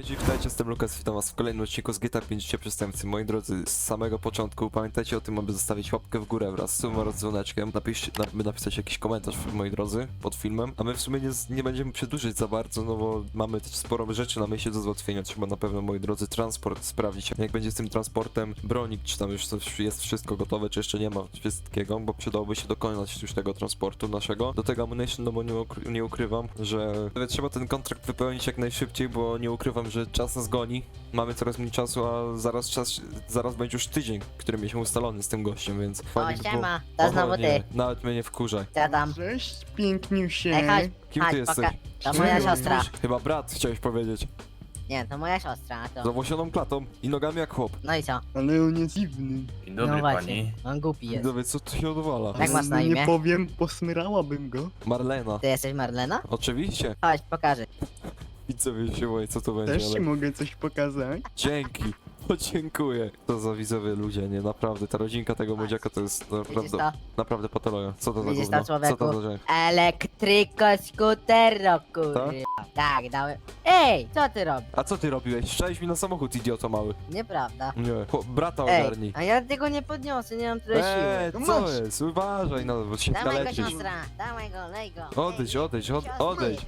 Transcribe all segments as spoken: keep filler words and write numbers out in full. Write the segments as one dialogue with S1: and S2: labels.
S1: ludzi, witajcie, jestem Lukas, witam was w kolejnym odcinku z G T A pięć Życie Przestępcy. Moi drodzy, z samego początku pamiętajcie o tym, aby zostawić łapkę w górę wraz z sumą oraz dzwoneczkiem. Napiszcie, na, napisać jakiś komentarz, moi drodzy, pod filmem. A my w sumie nie, nie będziemy przedłużyć za bardzo, no bo mamy też sporo rzeczy na myśli do załatwienia. Trzeba na pewno, moi drodzy, transport sprawdzić. Jak będzie z tym transportem, bronik, czy tam już coś jest wszystko gotowe, czy jeszcze nie ma wszystkiego, bo przydałoby się dokonać już tego transportu naszego. Do tego ammunition, no bo nie, ukry nie ukrywam, że trzeba ten kontrakt wypełnić jak najszybciej, bo nie ukrywam, że czas nas goni, mamy coraz mniej czasu, a zaraz czas, zaraz będzie już tydzień, który mieliśmy ustalony z tym gościem, więc fajnie by było-
S2: siema, to
S1: Oho,
S2: znowu
S1: nie,
S2: ty.
S1: nawet mnie nie wkurzaj.
S2: Co tam?
S3: Cześć, piękniusie.
S2: Ej, chodź,
S1: Kim
S2: chodź,
S1: ty jesteś?
S2: poka- To moja
S3: Cześć.
S2: siostra.
S1: Chyba brat, chciałeś powiedzieć.
S2: Nie, to moja siostra, a
S1: Z
S2: to...
S1: owłosioną klatą i nogami jak chłop.
S2: No i co?
S3: Ale on jest dziwny.
S4: Dzień dobry
S2: No właśnie,
S4: pani.
S2: on głupi jest.
S1: Dowiedz, co tu się odwala?
S2: Jak masz na
S3: No
S2: imię?
S3: Nie powiem, posmyrałabym go.
S1: Marlena.
S2: Ty jesteś Marlena?
S1: Oczywiście.
S2: Chodź, pokażę.
S1: Widzowie się boję, co to będzie,
S3: Też ci
S1: ale...
S3: mogę coś pokazać.
S1: Dzięki. O, dziękuję. To za widzowie ludzie, nie, naprawdę. Ta rodzinka tego
S2: Patrz.
S1: młodziaka to jest
S2: Widzisz
S1: naprawdę,
S2: to?
S1: naprawdę patologia. Co to za
S2: Widzisz
S1: gówno?
S2: to,
S1: Co
S2: człowieku?
S1: to za rzecz?
S2: Elektryko skutero, kurwa. Tak, dałem. Ej, co ty robisz?
S1: A co ty robiłeś? Szczęść mi na samochód, idioto mały.
S2: Nieprawda.
S1: Nie. Chłop, brata
S2: Ej,
S1: ogarnij.
S2: a ja tego nie podniosę, nie mam tyle
S1: Eee,
S2: siły.
S1: co
S3: Masz.
S1: jest? Uważaj, no, bo się
S2: Dawaj go,
S1: kaleczysz.
S2: siostra, dawaj go, lej go.
S1: Odejdź,
S2: Ej,
S1: odejdź, od,
S2: siostra.
S1: odejdź.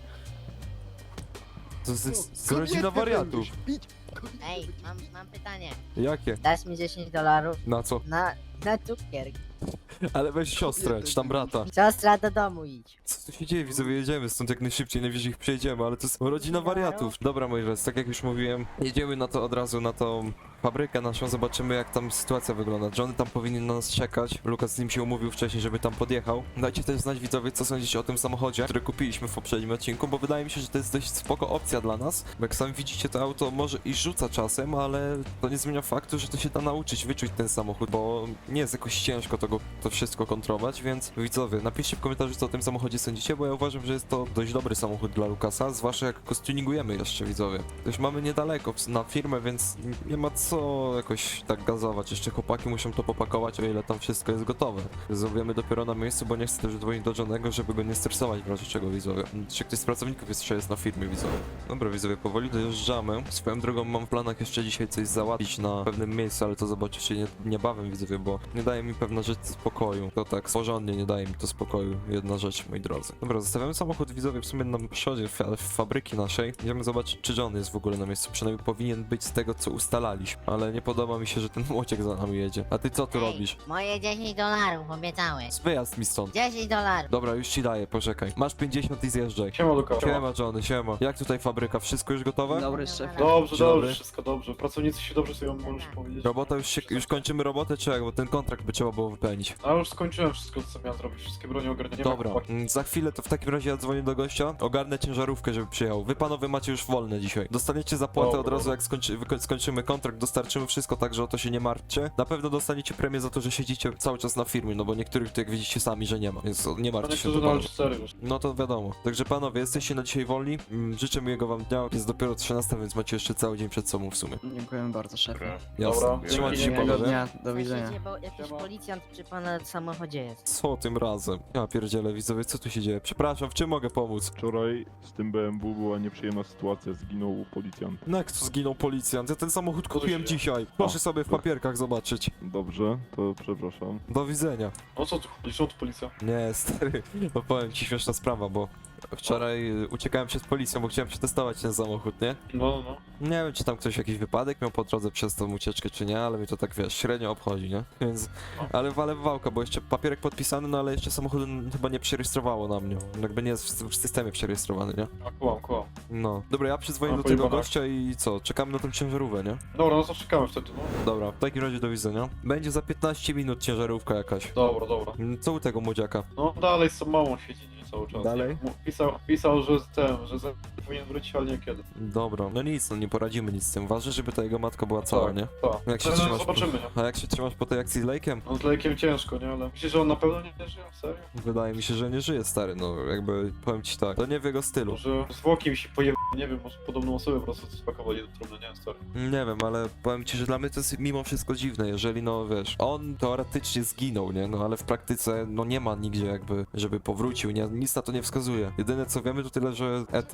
S1: To jest
S3: Co?
S1: z rodzina
S3: Kobietę
S1: wariatów.
S3: będziesz bić.
S2: Ej, mam, mam pytanie.
S1: Jakie?
S2: Dasz mi dziesięć dolarów
S1: Na co?
S2: na, na cukier.
S1: Ale weź siostrę, czy tam brata.
S2: Siostra, do domu idź.
S1: Co tu się dzieje? Widzowie, jedziemy stąd jak najszybciej, najwyżej ich przejdziemy, ale to jest rodzina wariatów. Dobra, moi drodzy, tak jak już mówiłem, jedziemy na to od razu, na tą fabrykę naszą, zobaczymy jak tam sytuacja wygląda. Johnny tam powinien na nas czekać, Lukas z nim się umówił wcześniej, żeby tam podjechał. Dajcie też znać, widzowie, co sądzicie o tym samochodzie, który kupiliśmy w poprzednim odcinku, bo wydaje mi się, że to jest dość spoko opcja dla nas, bo jak sami widzicie, to auto może i rzuca czasem, ale to nie zmienia faktu, że to się da nauczyć, wyczuć ten samochód, bo nie jest jakoś ciężko tego, to wszystko kontrolować, więc widzowie, napiszcie w komentarzu, co o tym samochodzie sądzicie, bo ja uważam, że jest to dość dobry samochód dla Lukasa, zwłaszcza jak go stuningujemy jeszcze, widzowie. Też mamy niedaleko na firmę, więc nie ma co jakoś tak gazować. Jeszcze chłopaki muszą to popakować, o ile tam wszystko jest gotowe. Zrobimy dopiero na miejscu, bo nie chcę też dzwonić do Johnego, żeby go nie stresować w razie czego, widzowie. Czy ktoś z pracowników jeszcze jest na firmie, widzowie? Dobra, widzowie, powoli dojeżdżamy. Swoją drogą mam w planach jeszcze dzisiaj coś załatwić na pewnym miejscu, ale to zobaczycie nie, niebawem, widzowie, bo nie daje mi pewna rzecz spokoju. To tak porządnie nie daje mi to spokoju. Jedna rzecz, moi drodzy. Dobra, zostawiamy samochód, widzowie, w sumie na przodzie w, w fabryki naszej. Idziemy zobaczyć, czy John jest w ogóle na miejscu. Przynajmniej powinien być z tego, co ustalaliśmy. Ale nie podoba mi się, że ten młociek za nami jedzie. A ty co tu
S2: Ej,
S1: robisz?
S2: moje dziesięć dolarów, obiecałeś.
S1: Wyjazd mi stąd.
S2: dziesięć dolarów.
S1: Dobra, już ci daję, poczekaj. Masz pięćdziesiąt i zjeżdżaj.
S4: Siema Luka.
S1: Siema, Johnny, siema. Jak tutaj fabryka? Wszystko już gotowe?
S2: Dobry
S5: szefie.
S4: Dobrze,
S1: Dzień dobry.
S4: dobrze, wszystko dobrze. Pracownicy się dobrze sobie możesz powiedzieć.
S1: Robota już się, już kończymy robotę, czy jak? Bo ten kontrakt by trzeba było wypełnić.
S4: A już skończyłem wszystko, co miałem zrobić. Wszystkie broni ogarnięte.
S1: Dobra, mm, za chwilę to w takim razie ja dzwonię do gościa, ogarnę ciężarówkę, żeby przyjechał. Wy panowie macie już wolne dzisiaj. Dostaniecie zapłatę
S4: Dobra,
S1: od razu
S4: dobra.
S1: jak skończy, wyko- skończymy kontrakt, dostarczymy wszystko, także o to się nie martwcie. Na pewno dostaniecie premię za to, że siedzicie cały czas na firmie, no bo niektórych to jak widzicie sami, że nie ma, więc nie
S4: A
S1: martwcie się.
S4: niektórzy
S1: to
S4: na
S1: bardzo.
S4: cztery już.
S1: No to wiadomo. Także panowie, jesteście na dzisiaj wolni. Mm, Życzę miłego wam dnia. Jest dopiero trzynasta, więc macie jeszcze cały dzień przed sobą w sumie.
S5: Dziękujemy bardzo, szefie.
S1: Jasne.
S4: Dobra,
S1: Trzymajcie się,
S4: dziękuję.
S5: Miłego
S1: panowie.
S5: dnia, do widzenia.
S2: Słyszycie, bo jakiś
S4: Siema.
S2: policjant przy pana samochodzie jest.
S1: Co tym razem? Ja pierdzielę, widzowie, co tu się dzieje? Przepraszam, w czym mogę pomóc?
S6: Wczoraj z tym B M W była nieprzyjemna sytuacja, zginął policjant.
S1: No jak tu zginął policjant? Ja ten samochód
S4: Co tu
S1: kupiłem
S4: się dzieje?
S1: dzisiaj. Proszę sobie w papierkach zobaczyć.
S6: Dobrze, to przepraszam.
S1: Do widzenia.
S4: O co tu chodzi? Co tu policja?
S1: Nie, stary, no powiem ci śmieszna sprawa, bo wczoraj y, uciekałem przed policją, bo chciałem przetestować ten samochód, nie?
S4: No, no, no.
S1: Nie wiem, czy tam ktoś jakiś wypadek miał po drodze przez tą ucieczkę, czy nie, ale mnie to tak, wiesz, średnio obchodzi, nie? Więc, ale walę w wałka, bo jeszcze papierek podpisany, no ale jeszcze samochód n- chyba nie przerejestrowało na mnie. Jakby nie jest w, w systemie przerejestrowany, nie?
S4: A kłam, kłam.
S1: No. Dobra, ja przyzwonię
S4: A,
S1: do tego
S4: pojebana.
S1: gościa i co? Czekamy na tą ciężarówkę, nie?
S4: Dobra, no to czekamy wtedy, no.
S1: Dobra, w takim razie do widzenia. Będzie za piętnaście minut ciężarówka jakaś.
S4: Dobra, dobra.
S1: Mm, Co u tego młodziaka?
S4: No dalej z tą małą siedzi nie, cały czas.
S1: Dalej?
S4: Nie, mu- Pisał, pisał, że z tym, że za, powinien wrócić, ale nie kiedy.
S1: Dobra, no nic, no nie poradzimy nic z tym. Ważne, żeby ta jego matka była cała,
S4: Tak,
S1: nie?
S4: Tak.
S1: Jak się
S4: No,
S1: trzymasz?
S4: zobaczymy, nie?
S1: A jak się trzymasz po tej akcji z Lake'em?
S4: No z lejkiem ciężko, nie? Ale myślisz, że on na pewno nie, nie żyje? Serio?
S1: Wydaje mi się, że nie żyje, stary, no jakby powiem ci tak. To nie w jego stylu.
S4: Może zwłoki mi się pojebały, nie wiem, może podobną osobę po prostu spakowali do trumny, nie wiem, stary.
S1: Nie wiem, ale powiem ci, że dla mnie to jest mimo wszystko dziwne, jeżeli no wiesz, on teoretycznie zginął, nie? No ale w praktyce no nie ma nigdzie jakby, żeby powrócił, nie? Nic na to nie wskazuje. Jedyne co wiemy to tyle, że Ethan.
S4: No bo to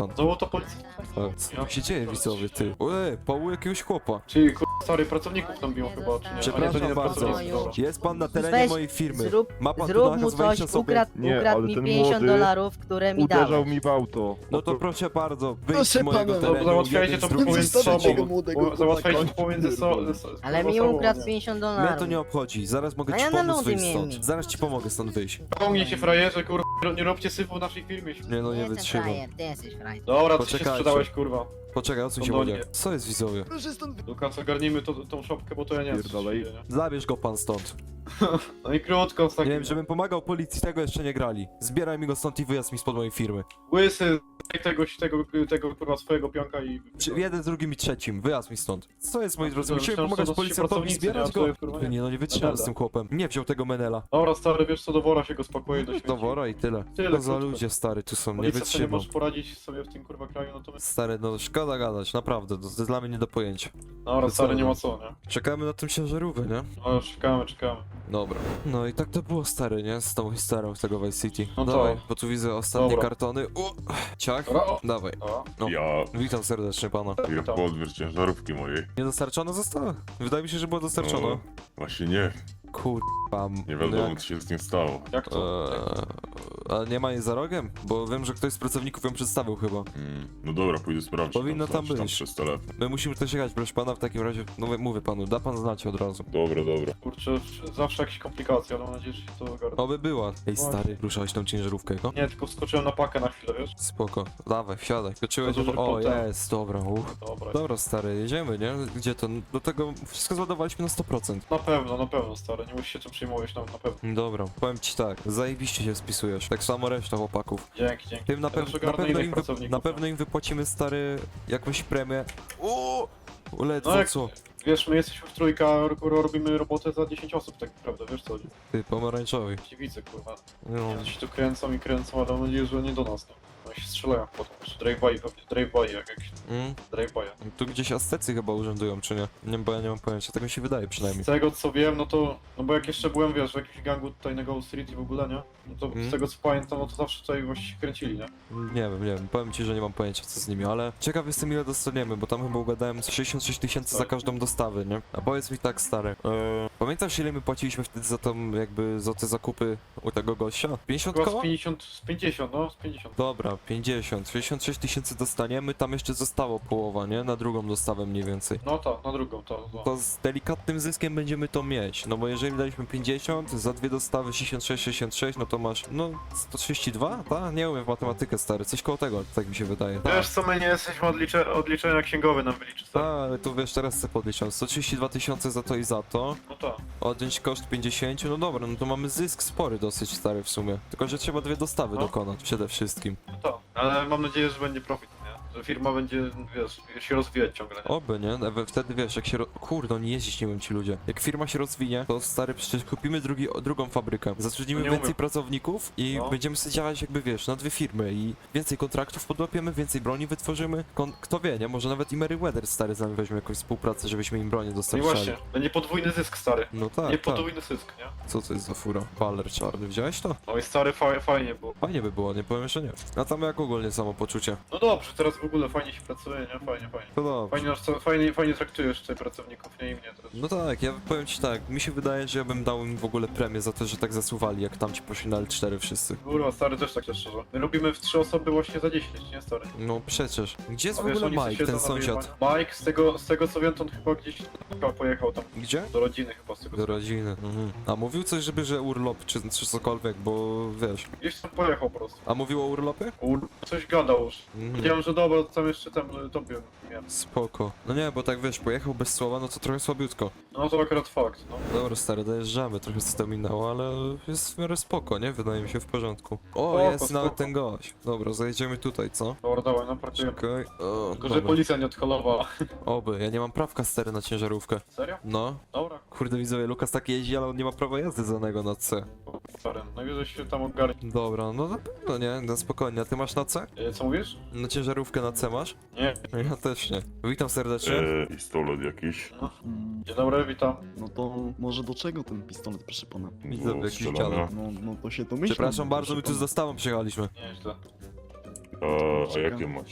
S4: auto policji.
S1: A, co tu się dzieje, widzowie, ty? Ojej, Paul jakiegoś chłopa.
S4: Czyli kur... stary, pracowników tam biło chyba, czy nie? A nie, to
S1: Przepraszam
S4: nie
S1: bardzo.
S4: pracownicy, dobra.
S1: Jest pan na terenie
S2: Weź,
S1: mojej firmy.
S2: Zrób,
S1: Ma pan tu
S2: zrób mu
S1: nakaz
S2: coś,
S1: wejścia sobie.
S2: ukradł,
S6: Nie,
S2: ukradł
S6: ale
S2: mi
S6: ten
S2: pięćdziesiąt
S6: młody
S2: dolarów, które mi
S6: Uderzał
S2: dałeś.
S6: mi w auto.
S1: No to proszę bardzo, wyjdź z
S3: Proszę
S1: mojego
S3: pana.
S1: terenu.
S4: Dobra, załatwiajcie
S1: jeden
S4: to
S1: z drugim
S4: pomiędzy
S3: Zostawcie
S1: strzecił.
S3: tego
S4: sobą.
S3: młodego
S4: Bo- Załatwiajcie to
S3: chłopaka.
S4: pomiędzy sobą.
S2: Ale mi ukradł pięćdziesiąt dolarów.
S1: Mnie to nie obchodzi, zaraz mogę
S2: A
S1: ci
S2: ja na
S1: pomóc
S2: ludy
S1: wyjść
S2: miałem.
S1: stąd. Zaraz ci pomogę stąd wyjść.
S4: Pomnij się frajerze, kurwa, nie róbcie syfu w naszej firmie.
S1: Nie no, nie
S2: Jestem
S1: wytrzymam.
S2: frajer, ty jesteś frajer.
S4: Dobra, ty się
S1: Poczekajcie.
S4: sprzedałeś, kurwa.
S1: Poczekaj, odsuń się
S4: No, no,
S1: łodzie.
S4: nie.
S1: Co jest, widzowie?
S3: Proszę stąd
S4: Lukas, ogarnijmy to, tą szopkę, bo to ja nie wiem, co się
S6: Pierdalej.
S4: dzieje, nie?
S1: Zabierz go pan stąd.
S4: No i krótko, z
S1: Nie
S4: takim...
S1: wiem, żebym pomagał policji, tego jeszcze nie grali. Zbieraj mi go stąd i wyjazd mi spod mojej firmy.
S4: Łysy, tego, tego, tego, kurwa, swojego pionka i...
S1: Przy, jeden, z drugim i trzecim, wyjazd mi stąd. Co jest, moi
S4: A,
S1: drodzy,
S4: to
S1: musimy
S4: myślałem, że
S1: pomagać
S4: to dosyć
S1: policjantowi,
S4: pracownicy,
S1: zbierać
S4: nie?
S1: go.
S4: A to, kurwa, nie.
S1: Nie no, nie wytrzymam
S4: Menela.
S1: z tym chłopem. Nie wziął tego menela.
S4: Dobra, stary, wiesz co, do wora się go spokojnie do śmieci.
S1: Do wora i tyle.
S4: Tyle,
S1: To za
S4: krótko.
S1: ludzie, stary, tu są, nie
S4: Policja sobie nie
S1: wytrzymam.
S4: może poradzić sobie w tym, kurwa, kraju, no to my...
S1: Stary, no szkoda gadać, naprawdę, to, to jest dla mnie nie do pojęcia.
S4: Dobra,
S1: co,
S4: stary, nie
S1: no?
S4: ma co, nie?
S1: Czekamy na tym ciężarówkę, nie?
S4: No, czekamy, czekamy.
S1: Dobra. No i tak to było, stary, nie? Z tą historią z tego Vice City.
S4: No to-
S1: Dawaj, bo tu widzę ostatnie
S4: Dobra.
S1: kartony. O, ciach.
S4: Dobra, o.
S1: Dawaj.
S4: Dobra.
S1: No.
S5: Ja
S1: Witam serdecznie pana.
S5: jak
S4: Witam.
S5: po odbiór ciężarówki mojej.
S1: Nie dostarczona została? Wydaje mi się, że była dostarczona.
S5: No, właśnie nie,
S1: Kurwa.
S5: nie wiadomo
S1: jak-
S5: co się z tym stało.
S4: Jak to?
S1: Eee, a nie ma jej za rogiem? Bo wiem, że ktoś z pracowników ją przedstawił chyba.
S5: Mm, no dobra, pójdę sprawdzić.
S1: Powinno tam
S5: zobaczyć
S1: być.
S5: przez telefon.
S1: My musimy też jechać, proszę pana, w takim razie, no mówię panu, da pan znać od razu.
S5: Dobra, dobra.
S4: Kurczę, zawsze jakieś komplikacje, ale mam nadzieję, że się to ogarnie.
S1: Oby była. Ej, stary, ruszałeś tą ciężarówkę, no?
S4: Nie, tylko wskoczyłem na pakę na chwilę, wiesz?
S1: Spoko. Dawaj, wsiadaj. Skoczyłeś
S4: To
S1: już...
S4: dobrze,
S1: O,
S4: potem.
S1: jest, dobra, uch.
S4: Dobra.
S1: Dobra, stary, jedziemy, nie? Gdzie to? Do tego wszystko zładowaliśmy na sto procent.
S4: Na pewno, na pewno, stary, nie musisz się tym przejmować, na, na pewno.
S1: Dobra, powiem ci tak, zajebiście się spisujesz. Tak samo reszta chłopaków.
S4: Dzięki, dzięki.
S1: Tym na,
S4: Ja też
S1: pew na,
S4: ogarnę
S1: pewno,
S4: innych
S1: im wy
S4: pracowników,
S1: na
S4: no.
S1: pewno im wypłacimy, stary, jakąś premię. O! Ledwo
S4: No jak-
S1: co?
S4: Wiesz, my jesteśmy w trójka, kurwa, robimy robotę za dziesięć osób, tak naprawdę, wiesz co?
S1: Ty, pomarańczowy.
S4: Ci widzę, kurwa.
S1: No,
S4: Oni się tu kręcą i kręcą, ale mam nadzieję, że nie do nas, no. Oni się strzelają potem, czy drive-by pewnie, drive-by, jak jakiś
S1: mm,
S4: drive-by.
S1: tu gdzieś Aztecy chyba urzędują, czy nie? Nie, bo ja nie mam pojęcia, tak mi się wydaje przynajmniej.
S4: Z tego co wiem, no to, no bo jak jeszcze byłem, wiesz, w jakimś gangu tutaj na Gold Street i w ogóle, nie? No to
S1: Mm.
S4: z tego co pamiętam, no to zawsze tutaj właśnie się kręcili, nie?
S1: Nie wiem, nie wiem, powiem ci, że nie mam pojęcia co z nimi, ale ciekaw jestem ile dostaniemy, bo tam chyba ugadałem sześćdziesiąt sześć tysięcy za
S4: Tak.
S1: każdą dostawę, nie? A powiedz mi tak, stary, eee, pamiętasz ile my płaciliśmy wtedy za tą, jakby, za te zakupy u tego gościa? pięćdziesiąt
S4: Chyba
S1: koła?
S4: z pięćdziesiąt, z pięćdziesiąt, no, z pięćdziesiąt.
S1: Dobra, pięćdziesiąt, sześćdziesiąt sześć tysięcy dostaniemy, tam jeszcze zostało połowa, nie? Na drugą dostawę mniej więcej.
S4: No ta, na drugą, to, to.
S1: To z delikatnym zyskiem będziemy to mieć, no bo jeżeli daliśmy pięćdziesiąt, za dwie dostawy sześćdziesiąt sześć, sześćdziesiąt sześć, no to masz, no, sto trzydzieści dwa? Tak? Nie umiem w matematykę, stary, coś koło tego, tak mi się wydaje.
S4: Wiesz co, my nie jesteśmy odlicze, odliczenia księgowe nam wyliczy,
S1: Tak,
S4: stary.
S1: ale tu wiesz, teraz sobie podliczam, sto trzydzieści dwa tysiące za to i za to,
S4: No ta.
S1: odjąć koszt pięćdziesiąt, no dobra, no to mamy zysk spory dosyć stary w sumie, tylko że trzeba dwie dostawy
S4: No.
S1: dokonać przede wszystkim.
S4: No ta. Ale mam nadzieję, że będzie profit, nie? Że firma będzie, wiesz, się rozwijać ciągle, nie?
S1: Oby, nie? Ewe- Wtedy wiesz, jak się. Ro... Kurde, nie jeździć nie wiem ci ludzie. Jak firma się rozwinie, to stary, przecież kupimy drugi, o, drugą fabrykę. Zatrudnimy
S4: No nie
S1: więcej
S4: umiem.
S1: pracowników i
S4: No.
S1: będziemy sobie działać jakby wiesz, na dwie firmy i więcej kontraktów podłapiemy, więcej broni wytworzymy. Kon... Kto wie, nie? Może nawet i Meriwether stary z nami weźmie jakąś współpracę, żebyśmy im bronię
S4: No i
S1: dostarczali.
S4: właśnie, będzie podwójny zysk, stary.
S1: No tak,
S4: nie
S1: tak.
S4: podwójny zysk, nie?
S1: Co to jest za fura? Baller czarny, widziałeś to?
S4: No i stary, fa fajnie było.
S1: Fajnie by było, nie powiem, że nie. A tam jak ogólnie samopoczucie.
S4: No dobrze, teraz w ogóle fajnie się pracuje, nie? Fajnie, fajnie.
S1: To dobrze.
S4: Fajnie, nas co- fajnie, fajnie traktujesz tutaj pracowników, nie i mnie teraz.
S1: No tak, ja powiem ci tak, mi się wydaje, że ja bym dał im w ogóle premię za to, że tak zasuwali, jak tam ci poszli na L cztery wszyscy.
S4: Kurwa, stary też tak szczerze. My robimy w trzy osoby właśnie za dziesięć, nie stary?
S1: No przecież. Gdzie jest
S4: A
S1: w
S4: wiesz,
S1: ogóle
S4: oni sobie
S1: Mike, ten
S4: siedzą na
S1: sąsiad?
S4: wyjebaniu. Mike, z tego, z tego co wiem, to on chyba gdzieś chyba pojechał tam
S1: Gdzie?
S4: do rodziny chyba z tego.
S1: Do rodziny. Mhm. A mówił coś, żeby, że urlop, czy, czy cokolwiek, bo wiesz.
S4: Gdzieś tam pojechał po prostu.
S1: A mówił o urlopie?
S4: Kur... Coś gadał już.
S1: Mhm.
S4: Wiedziałem, że dobra, to tam jeszcze tam y, tobie miałem.
S1: Spoko. No nie, bo tak wiesz, pojechał bez słowa, no to trochę słabiutko.
S4: No to akurat fakt, no.
S1: Dobra, stary, dojeżdżamy, trochę co to minęło, ale jest w miarę spoko, nie? Wydaje mi się w porządku. O,
S4: Spoko,
S1: jest
S4: spoko.
S1: nawet ten gość. Dobra, zajedziemy tutaj, co?
S4: Dobra, dawaj, no parkujemy.
S1: Czekaj. O,
S4: Tylko, że
S1: dobra.
S4: policja nie odholowała.
S1: Oby, ja nie mam prawka stary na ciężarówkę.
S4: Serio?
S1: No.
S4: Dobra,
S1: Kurde widzowie, Lukas tak jeździ, ale on nie ma prawa jazdy danego na C.
S4: stary. Najwyżej się tam ogarnie.
S1: Dobra, no na pewno nie, no spokojnie. A ty masz na C?
S4: Y, Co mówisz?
S1: Na ciężarówkę na C masz?
S4: Nie.
S1: Ja też nie. Witam serdecznie.
S5: E, pistolet jakiś.
S3: Mm,
S4: Dzień dobry, witam.
S3: No to może do czego ten pistolet, proszę pana?
S1: Widzę
S5: Do
S1: jakiś
S5: strzelania.
S1: dziadek.
S3: No, no to się domyślam.
S1: Przepraszam bardzo,
S3: proszę
S1: my tu z
S3: pana.
S1: dostawą przyjechaliśmy.
S4: Nieźle.
S5: A, a jakie macie?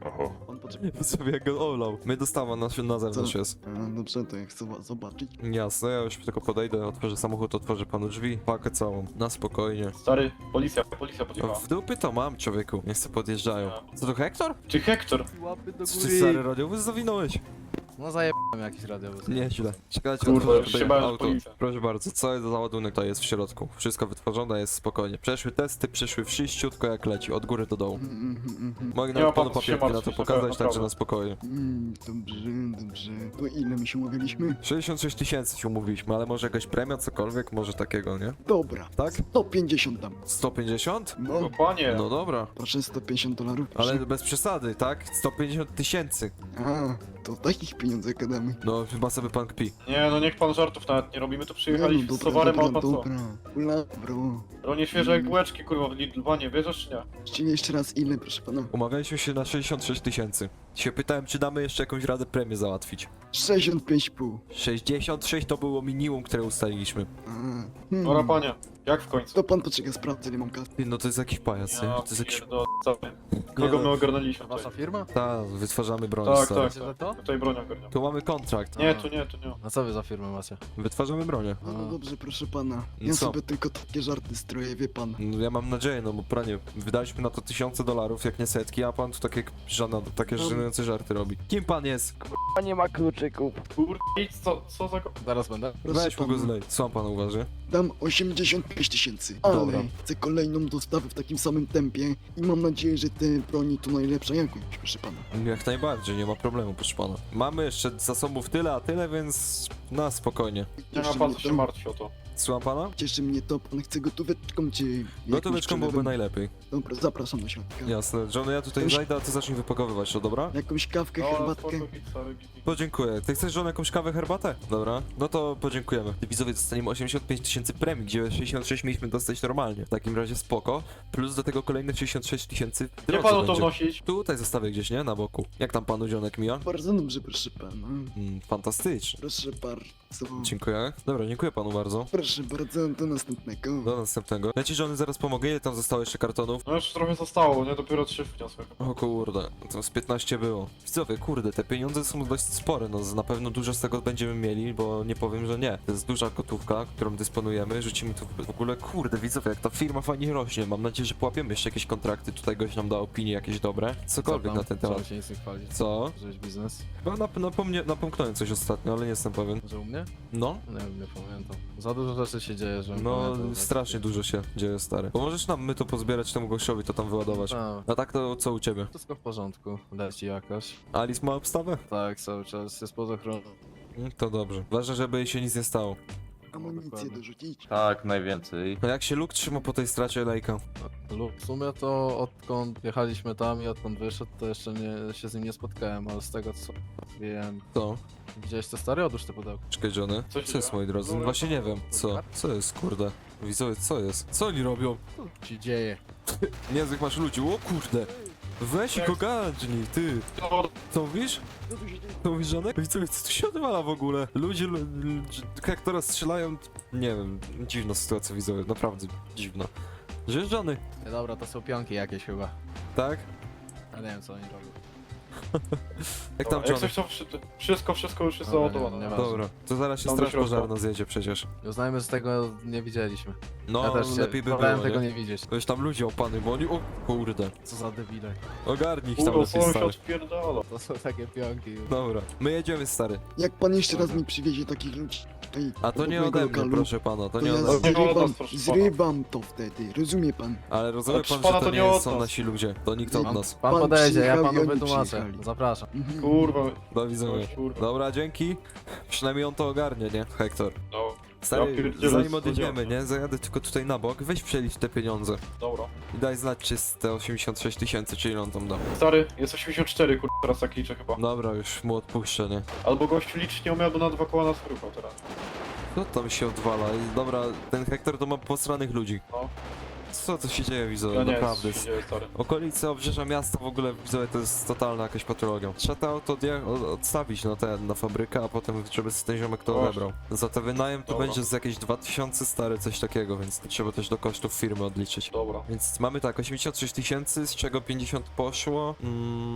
S5: Oho.
S3: Pan poczeka.
S1: Sobie jak go olał. My dostawa na, na zewnątrz
S3: Co?
S1: jest.
S3: A, dobrze, to ja chcę wa- zobaczyć.
S1: Jasne, ja już tylko podejdę, otworzę samochód, otworzę panu drzwi, pakę całą. Na spokojnie.
S4: Stary, policja, policja podjechała.
S1: W dupy to mam, człowieku. Niech se podjeżdżają. Co to Hektor?
S4: Ty Hektor?
S7: Łapy do
S1: Co ty stary radiowóz zawinąłeś?
S7: No zajebałem jakiś radiowóz.
S1: Nieźle. Czekajcie,
S4: Kurwa,
S1: otworzę
S4: już
S1: tutaj
S4: się bałem, że
S1: auto.
S4: policja.
S1: Proszę bardzo, cały załadunek to jest w środku. Wszystko wytworzone jest spokojnie. Przeszły testy, przyszły wszyściutko jak leci, od góry do dołu.
S3: Mm, mm, mm, mm.
S1: Mogę
S4: Nie
S1: nawet
S4: ma
S1: panu
S4: pan co się
S1: papierki na to
S4: martwić,
S1: pokazać,
S4: naprawdę.
S1: także na spokojnie.
S3: Mm, dobrze, dobrze. To ile my się umawialiśmy?
S1: sześćdziesiąt sześć tysięcy się umówiliśmy, ale może jakaś premia, cokolwiek, może takiego, nie?
S3: Dobra.
S1: Tak?
S3: sto pięćdziesiąt dam.
S1: sto pięćdziesiąt?
S3: No,
S4: No panie,
S1: No dobra.
S3: proszę sto pięćdziesiąt dolarów. Proszę.
S1: Ale bez przesady, tak? sto pięćdziesiąt tysięcy.
S3: A, to takich pieniądzach gadamy.
S1: No chyba sobie pan kpi.
S4: nie no niech pan żartów nawet nie robimy, tu przyjechaliśmy
S3: no,
S4: z towarem, a pan co?
S3: dobra. Ula, bro.
S4: Ronie świeże jak bułeczki, kurwa, w Lidl, panie, bierzesz czy nie?
S3: Jeszcze jeszcze raz ile, proszę pana?
S1: Umawialiśmy się na sześćdziesiąt sześć tysięcy. Się pytałem, czy damy jeszcze jakąś radę premię załatwić.
S3: sześćdziesiąt pięć i pół.
S1: sześćdziesiąt sześć to było minimum, które ustaliliśmy.
S3: A,
S4: Dobra
S3: hmm.
S4: panie, jak w końcu?
S3: To pan poczeka, sprawdzę, ile mam kasy.
S1: Ty, no to jest jakiś pajac, nie?
S4: Ja
S1: To jest jakiś...
S4: pierdolę, co ty?
S1: Nie
S4: Kogo
S1: no.
S4: my ogarnęliśmy
S7: Wasza
S4: tutaj?
S7: firma?
S1: Ta, wytwarzamy broń,
S4: Tak,
S1: stary.
S4: tak,
S7: Wiecie za
S4: tak.
S7: to?
S4: Tutaj broń ogarniam.
S1: Tu mamy kontrakt.
S4: Nie, tu nie, tu nie.
S7: A co wy za firmę macie?
S1: Wytwarzamy bronię.
S3: No, no
S7: A.
S3: dobrze, proszę pana.
S1: No
S3: Ja
S1: co?
S3: sobie tylko takie żarty stroję, wie pan.
S1: No, ja mam nadzieję, no bo pranie, wydaliśmy na to tysiące dolarów, jak nie setki, a pan tu takie żadne, takie
S3: No.
S1: żenujące żarty robi. Kim pan jest?
S7: Nie ma kluczyków.
S4: Kurde, idź, co, co za... go-
S7: Zaraz będę.
S3: Proszę
S1: Weź mu go
S3: pana.
S1: zlej. Co pan uważa?
S3: Dam osiemdziesiąt pięć tysięcy. Ale
S1: Dobra.
S3: chcę kolejną dostawę w takim samym tempie i mam nadzieję, że te broni to najlepsza jakość, proszę pana.
S1: Jak najbardziej, nie ma problemu, proszę pana. Mamy jeszcze zasobów tyle, a tyle, więc na spokojnie.
S4: Nie ma
S3: Cieszy
S4: pan
S3: mnie
S4: co się
S3: to.
S4: martwi o to.
S1: Słucham pana?
S3: Cieszy mnie to, pan chce gotóweczką czy... jakimś
S1: Gotóweczką byłoby
S3: przelewem?
S1: najlepiej.
S3: Dobra, zapraszam do środka.
S1: Jasne. Johnny, ja tutaj
S3: Już-
S1: zajdę, a ty zacznij wypakowywać to, dobra?
S3: Jakąś kawkę,
S4: No,
S3: herbatkę?
S4: spoko, git, stary, git, git.
S1: Podziękuję. Ty chcesz, John, jakąś kawę, herbatę? Dobra. No to podziękujemy. Widzowie, dostaniemy osiemdziesiąt pięć tysięcy premii, gdzie sześćdziesiąt sześć mieliśmy dostać normalnie. W takim razie spoko. Plus do tego kolejne sześćdziesiąt sześć tysięcy w
S4: Nie
S1: drodze
S4: panu to
S1: będzie.
S4: wnosić.
S1: Tutaj zostawię gdzieś, nie? Na boku. Jak tam panu Johnek mija?
S3: Bardzo dobrze, proszę pana.
S1: Mm, fantastycznie.
S3: Proszę bardzo.
S1: Dziękuję. Dobra, dziękuję panu bardzo.
S3: Proszę bardzo, do następnego.
S1: Do następnego. Ja ci, Johnny, zaraz pomogę. Ile tam zostało jeszcze kartonów?
S4: No już trochę zostało, nie? Dopiero trzy wniosłem.
S1: O kurde, to z piętnaście było. Widzowie, kurde, te pieniądze są dość spore, no z- na pewno dużo z tego będziemy mieli, bo nie powiem, że nie. To jest duża gotówka, którą dysponujemy, rzucimy tu w ogóle, kurde, widzowie, jak ta firma fajnie rośnie. Mam nadzieję, że połapiemy jeszcze jakieś kontrakty, tutaj goś nam da opinie jakieś dobre. Cokolwiek na ten temat.
S7: Trzeba się nic nie chwalić.
S1: Co?
S7: Żeś biznes?
S1: Chyba nap napomnie, napomknąłem coś ostatnio, ale nie jestem pewien.
S7: Że u mnie?
S1: No?
S7: Nie wiem, nie pamiętam. Za dużo rzeczy się dzieje, że
S1: No,
S7: pamiętam, że-
S1: strasznie dużo się dzieje, stary. Bo możesz nam my to pozbierać temu gościowi, to tam wyładować.
S7: A,
S1: A tak to co u ciebie?
S7: wszystko w porządku. Leci jakoś.
S1: Alice ma obstawę?
S7: Tak, cały czas jest pod ochroną.
S1: Mm, To dobrze. Ważne, żeby jej się nic nie stało.
S3: Amunicję
S7: dokładnie.
S3: dorzucić.
S8: Tak, najwięcej.
S1: No jak się Luke trzyma po tej stracie Lejka?
S7: Lub w sumie to odkąd jechaliśmy tam i odkąd wyszedł, to jeszcze nie, się z nim nie spotkałem, ale z tego co wiem,
S1: Co?
S7: widziałeś te stare? Odłóż te pudełko.
S1: Czekaj, Johnny.
S4: Co się
S1: Co jest,
S4: dzieje?
S1: moi drodzy? No właśnie nie wiem. Co? Co jest, kurde? Widzowie, co jest? Co oni robią?
S7: Co się dzieje?
S1: Niezłych masz ludzi. O kurde! Weź ich ogarnij, ty!
S4: No,
S1: Co mówisz? Co mówisz, Żonek? Widzowie, co tu się odwala w ogóle? Ludzie, lu- lu- jak teraz strzelają... Nie wiem, dziwna sytuacja, widzowie, naprawdę dziwna. Żyjesz, Johnny?
S7: Nie, dobra, to są pionki jakieś chyba.
S1: Tak?
S7: Ja nie wiem co oni robią.
S1: Jak tam,
S4: jak
S1: Johnny?
S4: coś to wszy- wszystko, wszystko już jest
S7: Dobra,
S4: załadowane.
S7: nie, nie ma.
S1: Dobra, to zaraz się
S4: Tam do
S1: straż
S4: środka.
S1: pożarna zjedzie przecież.
S7: Uznajmy, że tego nie widzieliśmy.
S1: No,
S7: ja też się
S1: lepiej by było,
S7: wolałem
S1: nie?
S7: tego nie widzieć.
S1: Weź tam ludzie opany, bo oni... O kurde.
S7: Co za debile.
S1: Ogarnij ich tam
S4: Kurwa,
S1: lepiej,
S4: co się
S1: stary.
S4: odpierdala.
S7: To są takie pionki.
S1: Dobra, my jedziemy, stary.
S3: Jak pan jeszcze raz
S7: Dobra.
S3: mi przywiezie takich ludzi tutaj
S1: A to
S3: obok
S1: nie
S3: mojego
S1: ode mnie,
S3: lokalu,
S1: proszę pana, to
S3: to
S1: nie
S3: ja
S1: ode
S4: No,
S1: mnie.
S4: nie od nas,
S3: zrywam,
S4: proszę pana.
S3: zrywam to wtedy, rozumie pan?
S1: Ale rozumie
S4: Ale
S1: pan,
S4: proszę pana,
S1: że
S4: to
S1: to
S4: nie
S1: nie
S4: od
S1: są
S4: nas.
S1: nasi ludzie. To nikt od
S7: Pan,
S1: nas.
S7: pan
S3: Pan
S7: podejdzie, ja
S3: przyjechał i
S7: panu
S3: oni
S7: wytłumaczę.
S3: przyjechali.
S7: Zapraszam.
S3: Mhm.
S4: Kurwa.
S1: Do widzenia.
S4: Kurwa.
S1: Dobra, dzięki. Przynajmniej on to ogarnie, nie? Hektor.
S4: No, Ja
S1: Stary,
S4: pierdzielę,
S1: zanim
S4: co
S1: odjedziemy,
S4: działa.
S1: nie? Zajadę tylko tutaj na bok, weź przelicz te pieniądze.
S4: dobra.
S1: I daj znać, czy z te osiemdziesiąt sześć tysięcy, czy ile on tam da.
S4: Stary, jest osiemdziesiąt cztery, kurwa, teraz tak liczę chyba.
S1: Dobra, już mu odpuszczę, nie?
S4: Albo gościu liczyć nie umiał, bo na dwa koła nas ruchał teraz.
S1: Co tam się odwala? I dobra, ten Hektor to ma posranych ludzi.
S4: No.
S1: Co to się dzieje, widzowie?
S4: Ja nie
S1: Naprawdę.
S4: wiem, co się dzieje, stary.
S1: Okolice obrzeża miasta w ogóle, widzowie, to jest totalna jakaś patologia. Trzeba to auto odje- o- odstawić na ten, na fabrykę, a potem żeby ten ziomek to
S4: Właśnie.
S1: odebrał. Za to wynajem to
S4: Dobra.
S1: będzie z jakieś dwa tysiące stare, coś takiego, więc to trzeba też do kosztów firmy odliczyć.
S4: Dobra.
S1: Więc mamy tak, osiemdziesiąt sześć tysięcy, z czego pięćdziesiąt poszło. Mm,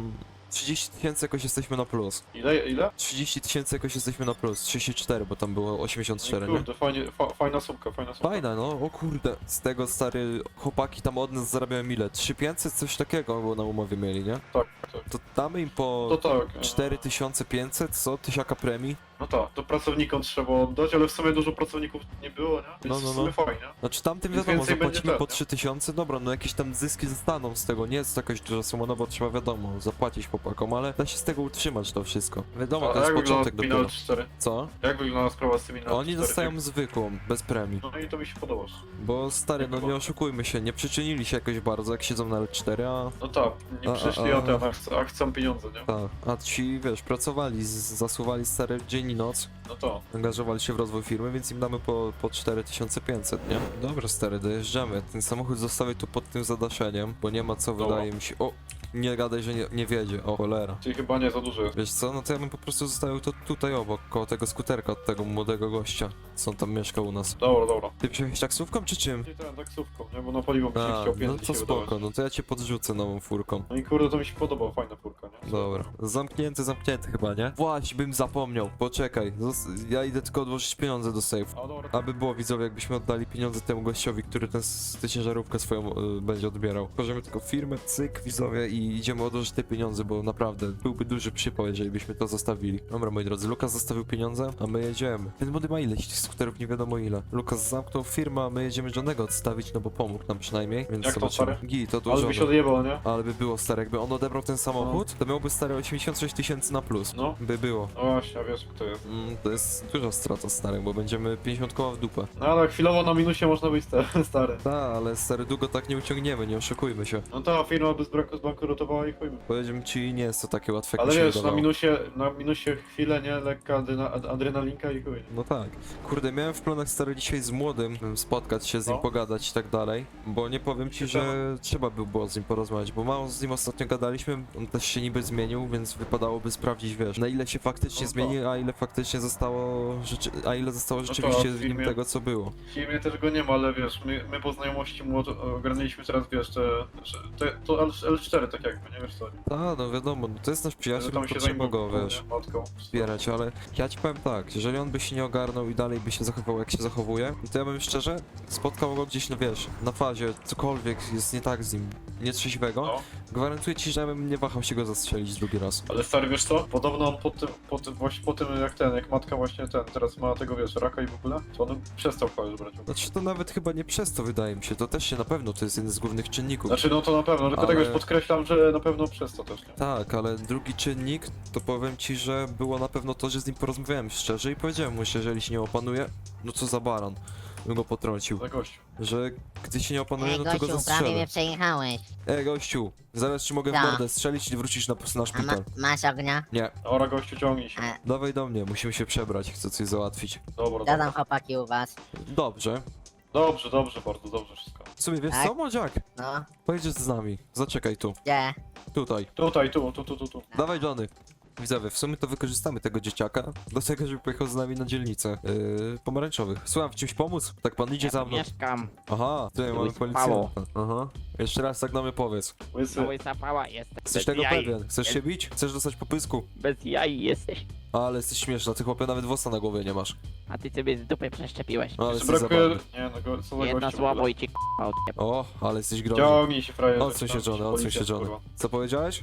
S1: trzydzieści tysięcy jakoś jesteśmy na plus.
S4: Ile, ile?
S1: trzydzieści tysięcy jakoś jesteśmy na plus. trzydzieści cztery, bo tam było osiemdziesiąt cztery, nie?
S4: Kurde, fajnie, fa, fajna sumka, fajna sumka.
S1: Fajna, no, o kurde. Z tego, stary, chłopaki tam od nas zarabiają ile? trzy tysiące pięćset? Coś takiego, bo na umowie mieli, nie?
S4: Tak, tak.
S1: To damy im po
S4: To tak. e,
S1: cztery tysiące pięćset, co? Tysiaka premii?
S4: No tak, to pracownikom trzeba oddać, ale w sumie dużo pracowników nie było, nie? Więc
S1: No, no,
S4: w sumie
S1: no.
S4: fajnie.
S1: Znaczy tamtym
S4: Więc
S1: wiadomo,
S4: więcej będzie
S1: zapłacimy
S4: ten,
S1: po
S4: nie?
S1: trzy tysiące, dobra, no jakieś tam zyski zostaną z tego, nie jest to jakaś duża suma, no bo trzeba wiadomo, zapłacić chłopakom, ale da się z tego utrzymać to wszystko. Wiadomo,
S4: A
S1: to jest
S4: jak wygląda
S1: początek
S4: Pinot
S1: dopiero.
S4: cztery?
S1: Co?
S4: Jak wygląda sprawa z tymi Pinot
S1: Oni
S4: cztery?
S1: dostają zwykłą, bez premii.
S4: No i to mi się podoba.
S1: Bo stary, no nie oszukujmy się, nie przyczynili się jakoś bardzo, jak siedzą na L cztery, a...
S4: No tak, nie
S1: A, a,
S4: przyszli,
S1: a.
S4: a ten, a chcą, a chcą pieniądze, nie?
S1: Tak, a ci, wiesz, pracowali, z- zasuwali stary dzień i noc,
S4: No to.
S1: angażowali się w rozwój firmy, więc im damy po, po cztery tysiące pięćset, nie? Dobra, stary, dojeżdżamy. Ten samochód zostawię tu pod tym zadaszeniem, bo nie ma co,
S4: Dobra.
S1: wydaje mi się... O! Nie gadaj, że nie, nie wiedzie, o cholera.
S4: Czyli chyba nie za dużo jest.
S1: Wiesz co, no to ja bym po prostu zostawił to tutaj obok, koło tego skuterka od tego młodego gościa, co on tam mieszka u nas.
S4: Dobra, dobra.
S1: Ty przyjechałeś taksówką czy czym?
S4: Nie ten, taksówką, nie? Bo na paliwo mi się
S1: A,
S4: chciał
S1: no
S4: pieniądze
S1: to
S4: się
S1: spoko,
S4: wydawać.
S1: no to ja cię podrzucę nową furką.
S4: No i kurde, to mi się podoba, fajna furka, nie?
S1: Dobra, zamknięty, zamknięty chyba, nie? Właśnie, bym zapomniał, poczekaj, zos- ja idę tylko odłożyć pieniądze do safe.
S4: A dobra,
S1: Aby było widzowie, jakbyśmy oddali pieniądze temu gościowi, który tę s- tę ciężarówkę swoją y, będzie odbierał. Tworzymy tylko firmę, cyk, widzowie i idziemy odłożyć te pieniądze, bo naprawdę byłby duży przypał, jeżeli byśmy to zostawili. Dobra, moi drodzy, Lukas zostawił pieniądze, a my jedziemy. Ten młody ma ileś tych skuterów, nie wiadomo ile. Lukas zamknął firmę, a my jedziemy Johnego odstawić, no bo pomógł nam przynajmniej, więc
S4: Jak to,
S1: zobaczymy.
S4: stary?
S1: Gi, to
S4: ale
S1: dużo.
S4: by się odjebał, nie?
S1: Ale by było stare, jakby on odebrał ten samochód, to miałby stare osiemdziesiąt sześć tysięcy na plus.
S4: No.
S1: By było.
S4: No właśnie, wiesz kto jest.
S1: Mm, to jest duża strata stary, bo będziemy pięćdziesiąt koła w dupę.
S4: No ale chwilowo na minusie można być sta- stary.
S1: Tak, ale stary, długo tak nie uciągniemy, nie oszukujmy się.
S4: No ta firma by zbrak- zbankrutowała i chujmy.
S1: Powiedzmy ci, nie jest to takie łatwe, jak
S4: Ale
S1: mi się
S4: wiesz, na
S1: wydawało.
S4: minusie, na minusie chwilę, nie? Lekka adrena, ad- adrenalinka i chuj.
S1: No tak. Kurde, miałem w planach stary dzisiaj z młodym m, spotkać się z nim,
S4: No.
S1: pogadać i tak dalej, bo nie powiem ci, że trzeba by było z nim porozmawiać, bo mało z nim ostatnio gadaliśmy, on też się niby zmienił, więc wypadałoby sprawdzić, wiesz, na ile się faktycznie
S4: No tak.
S1: zmienił, a ile faktycznie zostało, rzeczy... a ile zostało
S4: to,
S1: rzeczywiście
S4: a w
S1: z nim
S4: filmie-
S1: tego, co było.
S4: W filmie też go nie ma, ale wiesz, my, my po znajomości mu od- ogarnęliśmy teraz, wiesz, te, że- te, to L cztery tak jakby, nie wiesz co?
S1: Tak, no wiadomo, no to jest nasz przyjaciel, no
S4: Tam
S1: to
S4: się
S1: trzeba go,
S4: zajmował,
S1: wiesz,
S4: nie? Matką.
S1: wspierać, ale ja ci powiem tak, jeżeli on by się nie ogarnął i dalej by się zachował jak się zachowuje, to ja bym szczerze spotkał go gdzieś, no wiesz, na fazie, cokolwiek jest nie tak z nim, nietrzeźwego,
S4: No.
S1: gwarantuję ci, że ja bym nie wahał się go zastrzelić drugi raz.
S4: Ale stary, wiesz co? Podobno on po tym, po tym, właśnie po tym jak ten, jak matka właśnie ten, teraz ma tego, wiesz, raka i w ogóle, to on przestał chwalić brać.
S1: Znaczy to nawet chyba nie przez to wydaje mi się, to też się na pewno, to jest jeden z głównych czynników.
S4: Znaczy no to na pewno, tylko
S1: Ale-
S4: tego już podkreślam, że na pewno przez to też, nie?
S1: Tak, ale drugi czynnik, to powiem ci, że było na pewno to, że z nim porozmawiałem szczerze i powiedziałem mu, że jeżeli się nie opanuje, no co za baran, bym go potrącił.
S4: Za gościu.
S1: Że gdy się nie opanuje,
S2: Ej,
S1: no to go
S2: gościu, prawie
S1: zastrzelę.
S2: mnie przejechałeś.
S1: Ej, gościu, zaraz ci mogę w
S2: Tak.
S1: mordę strzelić i wrócisz na, na
S2: A ma,
S1: szpital.
S2: masz ognia?
S1: Nie,
S4: Ora gościu, ciągnij się.
S2: A,
S1: dawaj do mnie, musimy się przebrać, chcę coś załatwić.
S4: Dobra,
S2: co
S4: dobra.
S2: tam chłopaki u was?
S1: Dobrze.
S4: Dobrze, dobrze, bardzo dobrze wszystko.
S1: W sumie wiesz
S2: Tak?
S1: co, młodziak?
S2: No,
S1: Pojedziesz z nami, zaczekaj tu,
S2: gdzie?
S1: tutaj.
S4: Tutaj, tu, tu, tu, tu, tu.
S1: Dawaj Johnny. Widzowie, w sumie to wykorzystamy tego dzieciaka do tego, żeby pojechał z nami na dzielnicę yy, pomarańczowych. Słucham, w czymś pomóc? Tak pan idzie za mną.
S8: Mieszkam.
S1: Aha, tutaj mamy
S8: Łysa
S1: policjanta. Aha. Jeszcze raz tak na mnie powiedz.
S4: Łysy.
S8: Mały zapała jesteś.
S1: Jesteś
S8: Bez
S1: tego
S8: jaj.
S1: pewien? Chcesz się bić? Chcesz dostać po pysku?
S8: Bez jaj jesteś.
S1: Ale jesteś śmieszna, ty chłopie nawet włosa na głowie nie masz.
S8: A ty sobie z dupy przeszczepiłeś.
S1: Ale
S4: Jeszcze
S1: jesteś
S4: brakuje...
S1: zabawny.
S4: Nie, no go, co za
S8: Jedna
S4: gościu w
S8: słabo
S4: ogóle.
S8: i ci k***a odjeb.
S1: O, ale jesteś groźny.
S4: Ciągnij się, frajerze.
S1: Odsuń się Johnny, odsuń się Johnny.
S4: Kurwa.
S1: Co powiedziałeś?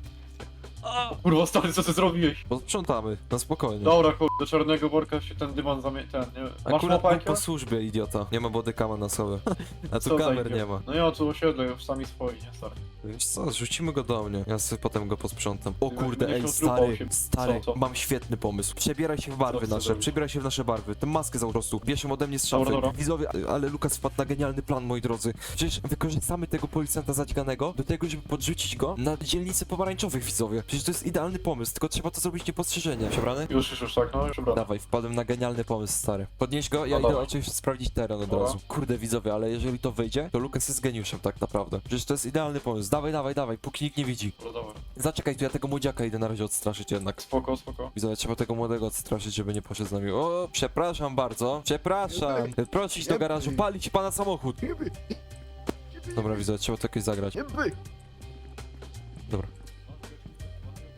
S4: Kurwa, stary, co ty zrobiłeś?
S1: Posprzątamy, na spokojnie.
S4: Dobra, kurde, do czarnego worka się ten dywan zamie... ten, nie? Masz
S1: Akurat był
S4: łopajkę?
S1: po służbie, idiota. Nie ma bodykama na sobie. A tu
S4: Co za
S1: kamer
S4: idiot.
S1: nie ma.
S4: No ja tu osiedle, już sami swoi, nie, stary.
S1: Wiesz co, rzucimy go do mnie. Ja sobie potem go posprzątam. O
S4: Ty
S1: kurde,
S4: będziesz
S1: ej,
S4: miał trupa
S1: stary,
S4: osiem.
S1: stary,
S4: Co, co?
S1: mam świetny pomysł. Przebieraj się w barwy
S4: chcesz
S1: nasze,
S4: zrobić?
S1: przebieraj się w nasze barwy. Tę maskę za po prostu. Bierzemy ode mnie z szafy.
S4: Dobra, dobra.
S1: Widzowie, ale Lukas wpadł na genialny plan, moi drodzy. Przecież wykorzystamy tego policjanta zadźganego do tego, żeby podrzucić go na dzielnicę pomarańczowych, widzowie. Przecież to jest idealny pomysł, tylko trzeba to zrobić niepostrzeżenie. Przebrany?
S4: Już, już, już, tak, no, już ubrany.
S1: Dawaj, wpadłem na genialny pomysł, stary. Podnieś go, ja
S4: No
S1: idę
S4: dawaj.
S1: oczywiście sprawdzić teren od
S4: Dobra.
S1: razu. Kurde, widzowie, ale jeżeli to wyjdzie, to Lukas jest geniuszem tak naprawdę. Przecież to jest idealny pomysł. Dawaj, dawaj, dawaj, póki nikt nie widzi.
S4: Dobra, dobra.
S1: Zaczekaj, tu ja tego młodziaka idę na razie odstraszyć jednak.
S4: Spoko, spoko.
S1: Widzowie, trzeba tego młodego odstraszyć, żeby nie poszedł z nami. O, przepraszam bardzo, przepraszam. Proszę iść do garażu, palić pana samochód. Dobra, widzowie, trzeba to jakoś zagrać.
S3: Jeby!
S1: Dobra.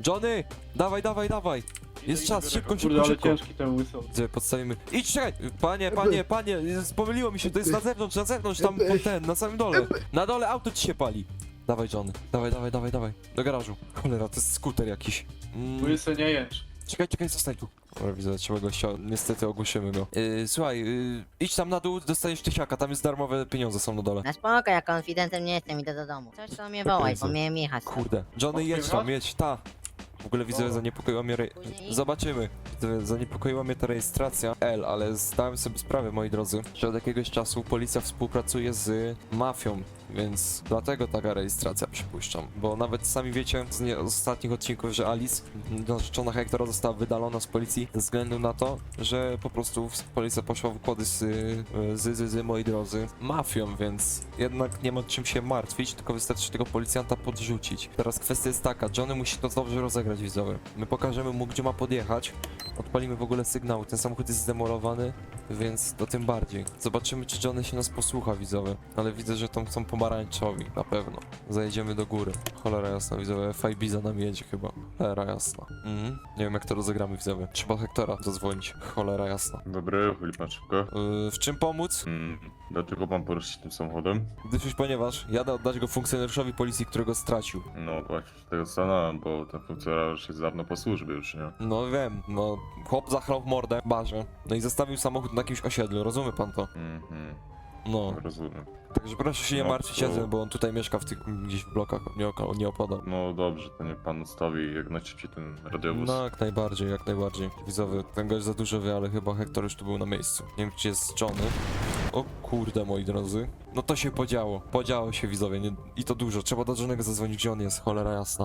S1: Johnny! Dawaj, dawaj, dawaj! Jest czas, szybko,
S4: Kurde,
S1: szybko,
S4: ale
S1: szybko.
S4: ciężki ten łysy.
S1: Gdzie podstawimy... Idź, czekaj! Panie, panie, panie, jest- pomyliło mi się, to jest na zewnątrz, na zewnątrz, tam po ten, na samym dole. Na dole auto ci się pali. Dawaj, Johnny, dawaj, dawaj, dawaj, dawaj. Do garażu. Cholera, to jest skuter jakiś. Mm.
S4: Łysy, nie jęcz.
S1: Czekaj, czekaj, zostań tu. Dobra, widzę, trzeba go ściąć. Niestety ogłuszymy go. Yy, słuchaj, yy, idź tam na dół, dostaniesz tysiaka, tam jest darmowe pieniądze są na dole.
S2: Na spoko, ja konfidentem nie jestem, idę do domu. Coś to mnie wołaj, bo miałem jechać.
S1: Kurde. Johnny, jedź tam, jedź, ta. W ogóle widzę,
S4: Dobra.
S1: zaniepokoiła mnie... Re...
S2: Później-
S1: Zobaczymy. Widzę, zaniepokoiła mnie ta rejestracja L, ale zdałem sobie sprawę, moi drodzy, że od jakiegoś czasu policja współpracuje z mafią, więc dlatego taka rejestracja, przypuszczam. Bo nawet sami wiecie z, nie, z ostatnich odcinków, że Alice, narzeczona Hektora, została wydalona z policji ze względu na to, że po prostu policja poszła w układy z, z, z, z moi drodzy, mafią, więc jednak nie ma czym się martwić, tylko wystarczy tego policjanta podrzucić. Teraz kwestia jest taka, Johnny musi to dobrze rozegrać, widzowie. My pokażemy mu, gdzie ma podjechać, odpalimy w ogóle sygnał, ten samochód jest zdemolowany, więc to tym bardziej. Zobaczymy, czy Johnny się nas posłucha, widzowie. Ale widzę, że tam są pomarańczowi, na pewno. Zajedziemy do góry. Cholera jasna, widzowie. F I B za nami jedzie chyba. Cholera jasna. Mhm. Nie wiem, jak to rozegramy, widzowie. Trzeba Hektora zadzwonić. Cholera jasna.
S5: Dobry, chyli pan szybko.
S1: Yy, w czym pomóc?
S5: Mm, dlaczego pan poruszyć tym samochodem?
S1: Gdyż już ponieważ jadę oddać go funkcjonariuszowi policji, którego stracił.
S5: No właśnie, się tego zastanawiam, bo ten funkcjonariusz jest dawno po służbie już, nie?
S1: No wiem, no chłop zachlał w mordę w barze. No i zostawił samochód na jakimś osiedlu, rozumie pan to?
S5: Mhm,
S1: No.
S5: rozumiem.
S1: Także proszę się nie
S5: No
S1: martwić,
S5: to-
S1: Edzem, bo on tutaj mieszka w tych gdzieś w blokach, nie, oka- nie opadał.
S5: No dobrze, to niech pan ustawi jak najszybciej ten radiowóz.
S1: No jak najbardziej, jak najbardziej. Widzowie, ten gość za dużo wie, ale chyba Hektor już tu był na miejscu. Nie wiem, czy jest Johnny. O kurde, moi drodzy. No to się podziało. Podziało się, widzowie, nie... i to dużo. Trzeba do Johnny'ego zadzwonić, gdzie on jest, cholera jasna.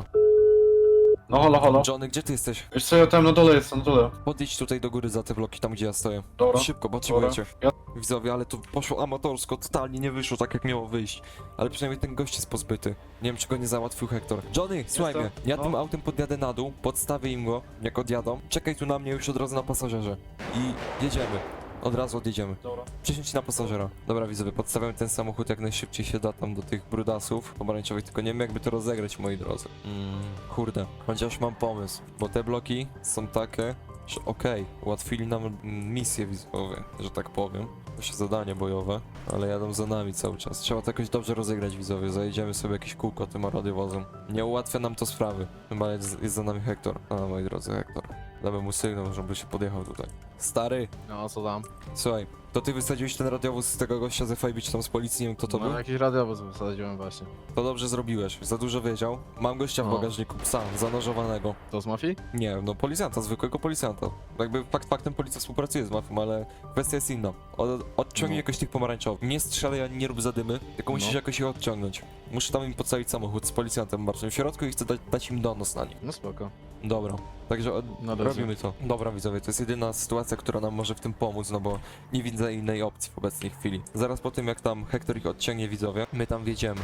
S4: No halo, halo.
S1: Johnny, gdzie ty jesteś?
S4: Wiesz co, ja tam na dole jestem, na dole.
S1: Podjedź tutaj do góry za te bloki, tam gdzie ja stoję.
S4: Dobra.
S1: Szybko, potrzebujecie.
S4: Ja...
S1: Widzowie, ale to poszło amatorsko, totalnie nie wyszło tak jak miało wyjść. Ale przynajmniej ten gość jest pozbyty. Nie wiem, czy go nie załatwił Hektor. Johnny, słuchaj mnie,
S4: Jestem.
S1: ja
S4: No.
S1: tym autem podjadę na dół, podstawię im go, jak odjadą. Czekaj tu na mnie już od razu na pasażerze. I jedziemy. Od razu odjedziemy.
S4: Dobra.
S1: Przysiądź na pasażera. Dobra, widzowie, podstawiam ten samochód jak najszybciej się da tam do tych brudasów pomarańczowych, tylko nie wiem jakby to rozegrać, moi drodzy. Mm, kurde, chociaż mam pomysł, bo te bloki są takie, że okej, ułatwili nam mm, misję widzowie, że tak powiem. To się zadanie bojowe, ale jadą za nami cały czas. Trzeba to jakoś dobrze rozegrać, widzowie. Zajedziemy sobie jakieś kółko tym radiowozem. Nie ułatwia nam to sprawy. Chyba jest, jest za nami Hektor. A, moi drodzy, Hektor. Damy mu sygnał, żeby się podjechał tutaj. Stary,
S7: No, co tam?
S1: słuchaj, to ty wysadziłeś ten radiowóz z tego gościa z F I B, czy tam z policji, nie wiem kto to był?
S7: No, jakiś radiowóz wysadziłem właśnie.
S1: To dobrze zrobiłeś, za dużo wiedział. Mam gościa w
S7: O.
S1: bagażniku, psa, zanożowanego.
S7: To z mafii?
S1: Nie, no policjanta, zwykłego policjanta. Jakby fakt faktem policja współpracuje z mafią, ale kwestia jest inna. Od, odciągnij
S7: No.
S1: jakoś tych pomarańczowych. Nie strzelaj ani nie rób zadymy, tylko musisz
S7: No.
S1: jakoś ich odciągnąć. Muszę tam im podstawić samochód z policjantem marszym w środku i chcę dać, dać im donos na nich.
S7: No spoko.
S1: Dobra, także od,
S7: No dobrze.
S1: robimy to. Dobra widzowie, to jest jedyna sytuacja, która nam może w tym pomóc, no bo nie widzę innej opcji w obecnej chwili. Zaraz po tym jak tam Hektor ich odciągnie, widzowie, my tam wjedziemy.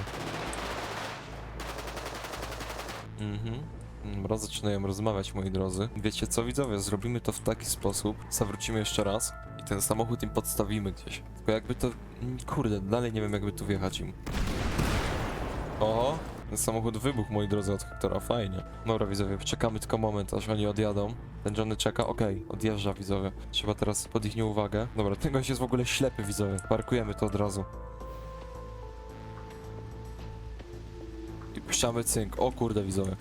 S1: Mhm. Dobra, zaczynają rozmawiać, moi drodzy. Wiecie co, widzowie, zrobimy to w taki sposób, zawrócimy jeszcze raz i ten samochód im podstawimy gdzieś. Tylko jakby to... mm, kurde, dalej nie wiem jakby tu wjechać im. Oho, ten samochód wybuchł, moi drodzy, od Hektora, fajnie. Dobra, widzowie, czekamy tylko moment, aż oni odjadą. Ten Johnny czeka, okej, odjeżdża, widzowie. Trzeba teraz pod ich nieuwagę. Dobra, ten gość jest w ogóle ślepy, widzowie. Parkujemy to od razu. I puszczamy cynk. O kurde, widzowie.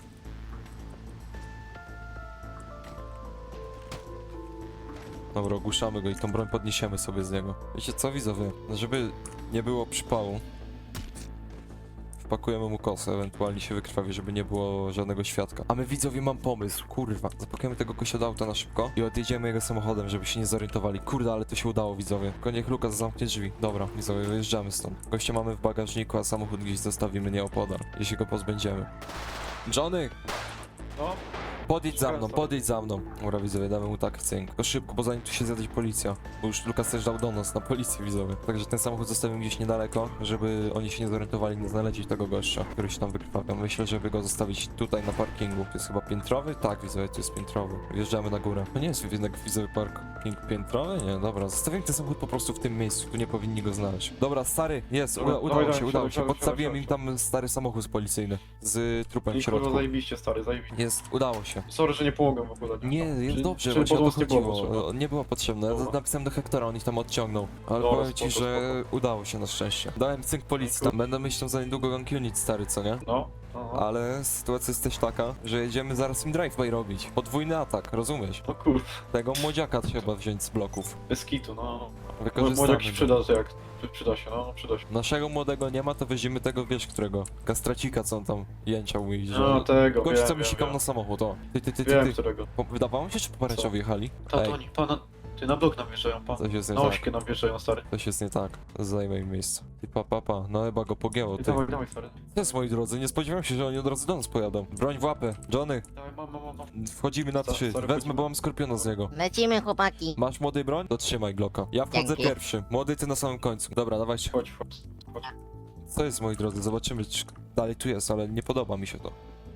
S1: Dobra, ogłuszamy go i tą broń podniesiemy sobie z niego. Wiecie co, widzowie? Żeby nie było przypału, wpakujemy mu kosę, ewentualnie się wykrwawi, żeby nie było żadnego świadka. A my, widzowie, mam pomysł, kurwa. Zapakujemy tego kosia do auta na szybko i odjedziemy jego samochodem, żeby się nie zorientowali. Kurde, ale to się udało, widzowie. Tylko niech Lukas zamknie drzwi. Dobra, widzowie, wyjeżdżamy stąd. Gościa mamy w bagażniku, a samochód gdzieś zostawimy nieopodal, jeśli go pozbędziemy. Johnny!
S4: No.
S1: Podejdź za mną,
S4: Skręcam.
S1: podejdź za mną. Dobra, widzowie, damy mu tak cynk. Tylko szybko, bo zanim tu się zjawi policja. Bo już Lukas też dał donos na policję, widzowie. Także ten samochód zostawimy gdzieś niedaleko, żeby oni się nie zorientowali, nie znaleźli tego gościa, który się tam wykrwawia. Myślę, żeby go zostawić tutaj na parkingu. To jest chyba piętrowy? Tak, widzowie, to jest piętrowy. Wjeżdżamy na górę. To nie jest jednak widzowy park. Parking piętrowy? Nie, dobra, zostawiam ten samochód po prostu w tym miejscu, tu nie powinni go znaleźć. Dobra, stary, jest, uda,
S4: Dobra,
S1: udało
S4: dawaj,
S1: się,
S4: dawaj,
S1: udało
S4: siadaj,
S1: się,
S4: siadaj,
S1: podstawiłem im
S4: siadaj,
S1: tam stary samochód policyjny z trupem w
S4: I kurwa
S1: środku.
S4: zajebiście, stary, zajebiście.
S1: Jest, udało się.
S4: Sorry, że nie pomogłem w ogóle.
S1: Nie, jest
S4: Czy-
S1: dobrze,
S4: czy
S1: właśnie o to
S4: pomoc nie było
S1: chodziło.
S4: potrzebna?
S1: Nie było potrzebne. Ja
S4: Dobra.
S1: napisałem do Hektora, on ich tam odciągnął. Ale
S4: Dobra,
S1: powiem ci,
S4: spoko,
S1: że
S4: spoko.
S1: udało się na szczęście. Dałem cynk policji tam. Będę myślał za niedługo gang unit stary, co nie?
S4: No, no, no.
S1: Ale sytuacja jest też taka, że jedziemy zaraz im drive-by robić. Podwójny atak, rozumiesz?
S4: No kurwa,
S1: Tego młodziaka trzeba wziąć z bloków.
S4: bez kitu, no. no.
S1: Wykorzystamy
S4: Młodziak się
S1: go.
S4: przyda, że jak przyda się, no, no przyda się.
S1: Naszego młodego nie ma, to weźmiemy tego, wiesz którego? Kastracika, co on tam jęczał i że...
S4: No tego,
S1: Gość,
S4: wiem,
S1: co mi
S4: wiem,
S1: sikał
S4: wiem.
S1: na samochód, o. Ty, ty, ty, ty,
S4: Wiem,
S1: ty.
S4: którego.
S1: Po- Wydawało mi się, czy po pomarańczowi jechali?
S4: Ta,
S1: Ej,
S4: to oni, pana, ty na blok nam wjeżdżają, pan.
S1: coś jest nie
S4: Na
S1: tak.
S4: ośkę nam wjeżdżają, stary.
S1: Coś jest nie tak. Zajmę im miejsce. Ty pa, pa, pa. No chyba go pogięło,
S4: I
S1: ty.
S4: dawaj, dawaj, stary.
S1: Jest, moi drodzy, nie spodziewałem się, że oni od razu do nas pojadą. Broń w łapę. Johnny,
S4: Dawaj, mam, mam, mam, mam.
S1: wchodzimy na
S4: Co-
S1: trzy.
S4: sorry,
S1: Wezmę,
S4: wchodzimy.
S1: bo mam skorpiona z niego.
S2: Lecimy, chłopaki.
S1: Masz młody broń? To trzymaj Glocka. Ja wchodzę
S2: Dzięki.
S1: pierwszy. Młody, ty na samym końcu. Dobra, dawajcie.
S4: Chodź, chodź. chodź.
S1: Co jest, moi drodzy? Zobaczymy, czy dalej tu jest, ale nie podoba mi się to.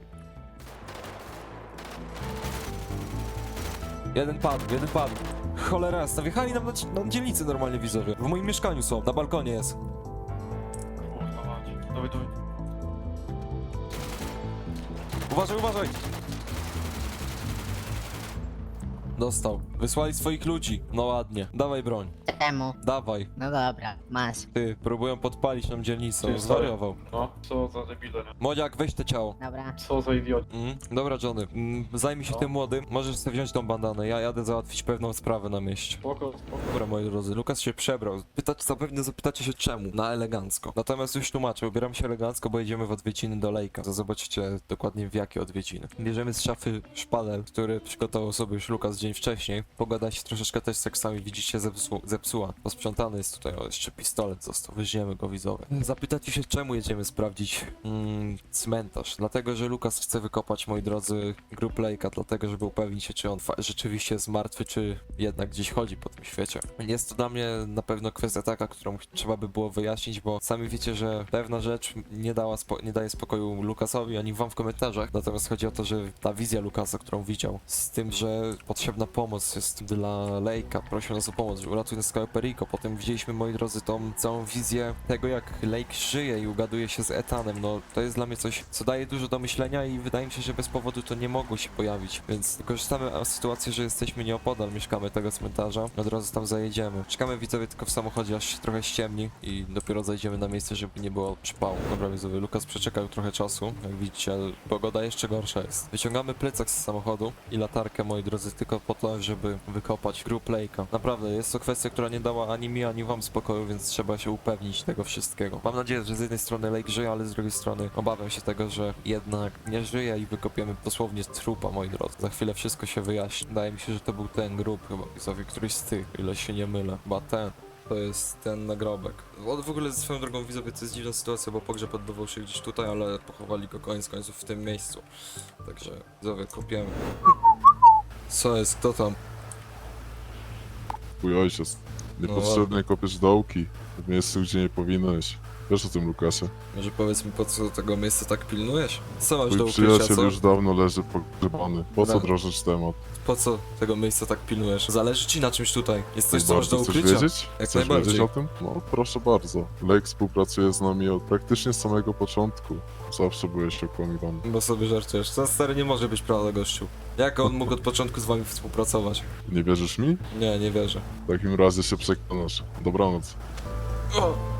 S1: Jeden padł, jeden padł. Cholera jasna, wjechali nam na, ci- na dzielnicy normalnie widzowie. W moim mieszkaniu są, na balkonie jest.
S4: Kurwa mać. Dawaj, dawaj.
S1: Uważaj, uważaj! Dostał. Wysłali swoich ludzi. No ładnie. Dawaj broń.
S2: Czemu?
S1: Dawaj.
S2: No dobra, masz.
S1: Ty, próbują podpalić nam dzielnicę.
S4: Ty, stary.
S1: Zwariował.
S4: No, co za debile, nie?
S1: Młodziak, weź te ciało.
S2: Dobra.
S4: Co za idiot.
S1: Mm, dobra, Johnny, mm, zajmij się
S4: No.
S1: tym młodym. Możesz sobie wziąć tą bandanę. Ja jadę załatwić pewną sprawę na mieście.
S4: Spoko, spoko.
S1: Dobra, moi drodzy, Lukas się przebrał. Pytać, zapewne zapytacie się czemu. Na elegancko. Natomiast już tłumaczę, ubieram się elegancko, bo jedziemy w odwiedziny do Lejka. To zobaczycie dokładnie w jakie odwiedziny. Bierzemy z szafy szpadel, który przygotował sobie już Lukas dzień wcześniej. Pogoda się troszeczkę też jak sami widzicie zepsu zepsuła. Posprzątany jest tutaj, o jeszcze pistolet został. Weźmiemy go widzowie. Zapytacie się czemu jedziemy sprawdzić mm, cmentarz. Dlatego, że Lukas chce wykopać, moi drodzy, grób Lejka, dlatego, żeby upewnić się, czy on fa- rzeczywiście jest martwy, czy jednak gdzieś chodzi po tym świecie. Jest to dla mnie na pewno kwestia taka, którą ch- trzeba by było wyjaśnić, bo sami wiecie, że pewna rzecz nie, dała spo- nie daje spokoju Lukasowi, ani wam w komentarzach. Natomiast chodzi o to, że ta wizja Lukasa, którą widział, z tym, że potrzebna pomoc jest dla Lejka, prosił nas o pomoc, że uratuje nas Cayo Perico. Potem widzieliśmy, moi drodzy, tą całą wizję tego, jak Lake żyje i ugaduje się z Etanem. No, to jest dla mnie coś, co daje dużo do myślenia i wydaje mi się, że bez powodu to nie mogło się pojawić. Więc wykorzystamy a, sytuację, że jesteśmy nieopodal, mieszkamy tego cmentarza, od razu tam zajedziemy. Czekamy widzowie tylko w samochodzie, aż się trochę ściemni i dopiero zajdziemy na miejsce, żeby nie było przypału. Dobra widzowie, Lukas przeczekał trochę czasu, jak widzicie, ale pogoda jeszcze gorsza jest. Wyciągamy plecak z samochodu i latarkę, moi drodzy, tylko po to, żeby wykopać grób Lake'a. Naprawdę, jest to kwestia, która nie dała ani mi, ani wam spokoju, więc trzeba się upewnić tego wszystkiego. Mam nadzieję, że z jednej strony Lake żyje, ale z drugiej strony obawiam się tego, że jednak nie żyje i wykopiemy dosłownie trupa, moi drodzy. Za chwilę wszystko się wyjaśni. Wydaje mi się, że to był ten grób chyba, widzowie, któryś z tych, ile się nie mylę. Chyba ten. To jest ten nagrobek. On w ogóle ze swoją drogą widzowie to jest dziwna sytuacja, bo pogrzeb odbywał się gdzieś tutaj, ale pochowali go koniec końców w tym miejscu. Także widzowie, kopiemy. Co jest? Kto tam?
S6: Twój ojciec.
S1: No
S6: Niepotrzebnie kopiesz dołki w miejscu, gdzie nie powinieneś. Wiesz o tym, Lukasie.
S1: Może powiedz mi, po co tego miejsca tak pilnujesz? Co masz do
S6: Twój
S1: ukrycia,
S6: przyjaciel
S1: co?
S6: już dawno leży pogrzebany. Po co
S1: Dobra.
S6: drążyć temat?
S1: Po co tego miejsca tak pilnujesz? Zależy ci na czymś tutaj? Jest coś, co masz do
S6: Bardzo chcesz
S1: ukrycia?
S6: wiedzieć?
S1: Jak
S6: Chcesz
S1: najbardziej.
S6: wiedzieć o tym? No, proszę bardzo. Lake współpracuje z nami od praktycznie samego początku. Zawsze byłeś okłamywany.
S1: Bo sobie żartujesz. To stary nie może być prawda, gościu. Jak on mógł od początku z wami współpracować?
S6: Nie wierzysz mi?
S1: Nie, nie wierzę.
S6: W takim razie się przekonasz. Dobranoc.
S1: O!